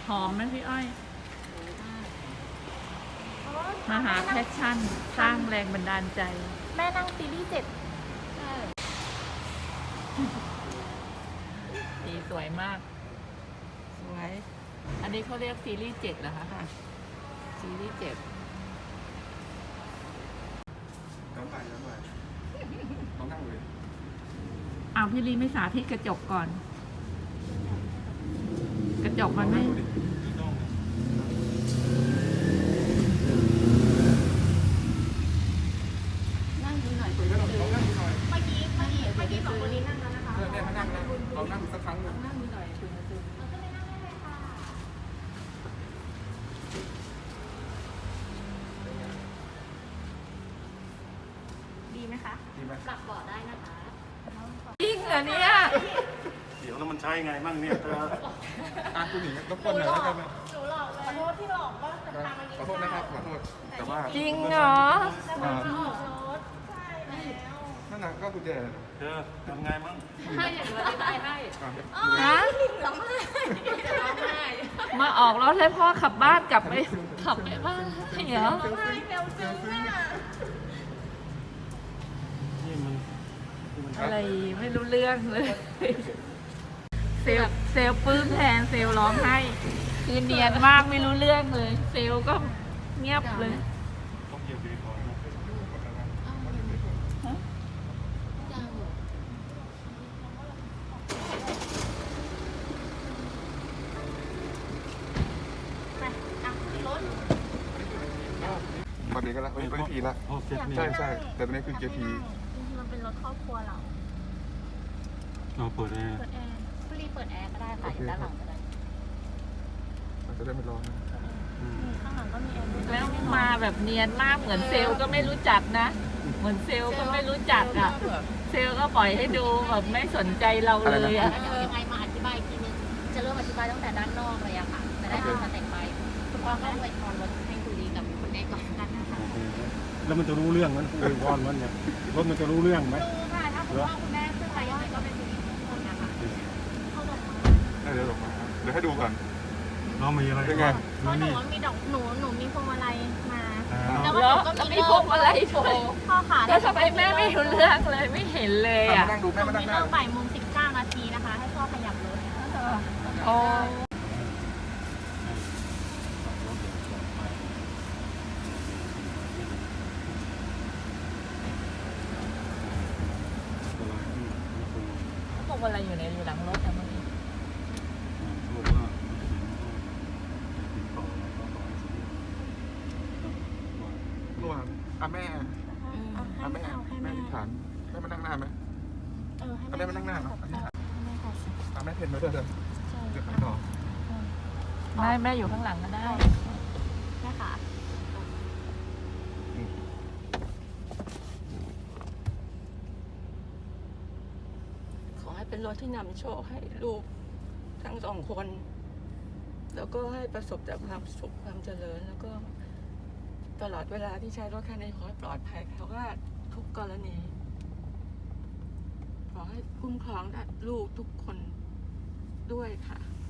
หอมไหมพี่อ้อยมาหาแพชชั่นสร้างแรงบันดาลใจแม่นั่งซีรีส์7 สีสวยมากสวยอันนี้เขาเรียกซีรีส์7เหรอคะค่ะซีรีส์7 น้ำไปต้องนั่งเลยเอาพี่ลีไม่สาธิตกระจกก่อนกระจกมันไม่นั่งดูหน่อยคุยกันหน่อยลองนั่งดูหน่อยเมื่อกี้สองคนนี้นั่งแล้วนะคะเนี่ยมานั่งนะลองนั่งสักครั้งหนึ่งนั่งดูหน่อยคุณมาดูเราก็ไปนั่งได้เลยค่ะดีไหมคะดีไหมปรับเบาะได้นะคะจริงเหรอเนี่ยเดี๋ยวแล้วมันใช้ไงบ้างเนี่ยเธอคุณหญิงรบกวนหน่อยแล้วกันนะหนูหลอกเลยขอโทษที่หลอกว่าจะพามากินขอโทษนะครับขอโทษแต่ว่าจริงเหรอจะพามาออกรถใช่แล้วนั่นน่ะก็คุณแจเธอทำไงมั่งให้อย่างไรได้ให้ฮะฮะร้องไห้จะร้องไห้มาออกรถให้พ่อขับบ้านกลับไปขับไปบ้านเหรอร้องไห้เร็วซึ้งอ่ะนี่มันอะไรไม่รู้เรื่องเลย เซลปลื้มแทนเซลร้องไห้คือเนียนมากไม่รู้เรื่องเลย เซลก็เงียบเลยต้องเหยียบเบรกก่อนนะไปอ่ะขึ้นรถตอนนี้ก็แล้วเป็นทีละโอ้เสร็จนี่ใช่แต่ตอนนี้คือเกียร์ทีจริงๆมันเป็นรถครอบครัวเราเราเปิดแอร์เปิดแอร์คุณรีเปิดแอร์ก็ได้ค่ะอยู่ด้านหลังก็ได้มันจะได้ไม่ร้อนนะข้างหลังก็มีแอร์ด้วยแล้วมาแบบเนียนมากเหมือนเซลก็ไม่รู้จักนะ เหมือนเซลก็ไม่รู้จักอ่ะ เซลก็ปล่อยให้ดูแบบไม่สนใจเราเลยอ่ะเดี๋ยวยังไงมาอธิบายอีกทีนึงจะเริ่มอธิบายตั้งแต่ด้านนอกเลยอะค่ะจะได้เป็นสเต็ปไปคุณพ่อก็อวยพรรถให้คุณลีกับคุณเอกก่อนกันนะคะโอเคแล้วมันจะรู้เรื่องมันอวยวอนมันเนี่ยรถมันจะรู้เรื่องไหมดูค่ะถ้าคุณพ่อคุณแม่ขึ้นไปยังไงก็เป็นสิริมงคลนะคะเข้าดอกไม้เดี๋ยวลงมาเดี๋ยวให้ดูก่อนเรามีอะไรเป็นไงเพราะหนูนี่มีดอกหนูมีพวงมาลัยมาแล้วมีพวกอะไรด้วยพ่อค่ะแล้วทำไมแม่ไม่รู้เรื่องเลยไม่เห็นเลยมาอ่ะนั่งดูแม่หนูมานั่มีงหน้าเริ่มบ่ายโมง19 นาทีนะคะ ให้พ่อขยับรถโอ้ พวกอะไรอยู่หลังรถอะเมื่อกี้เมื่อวานแม่แม่ที่ฐานแม่มานั่งหน้าไหมให้แม่มานั่งหน้าเนาะให้แม่ขอสิแม่เพนมาด้วยเถอะใช่เดี๋ยวต่อแม่อยู่ข้างหลังก็ได้แม่ค่ะขอให้เป็นรถที่นำโชคให้ลูกทั้งสองคน แล้วก็ให้ประสบแต่ความสุขความเจริญ แล้วก็ตลอดเวลาที่ใช้รถคันนี้ขอให้ปลอดภัยแคล้วคลาดทุกกรณี ขอให้คุ้มครองลูกทุกคนด้วยค่ะ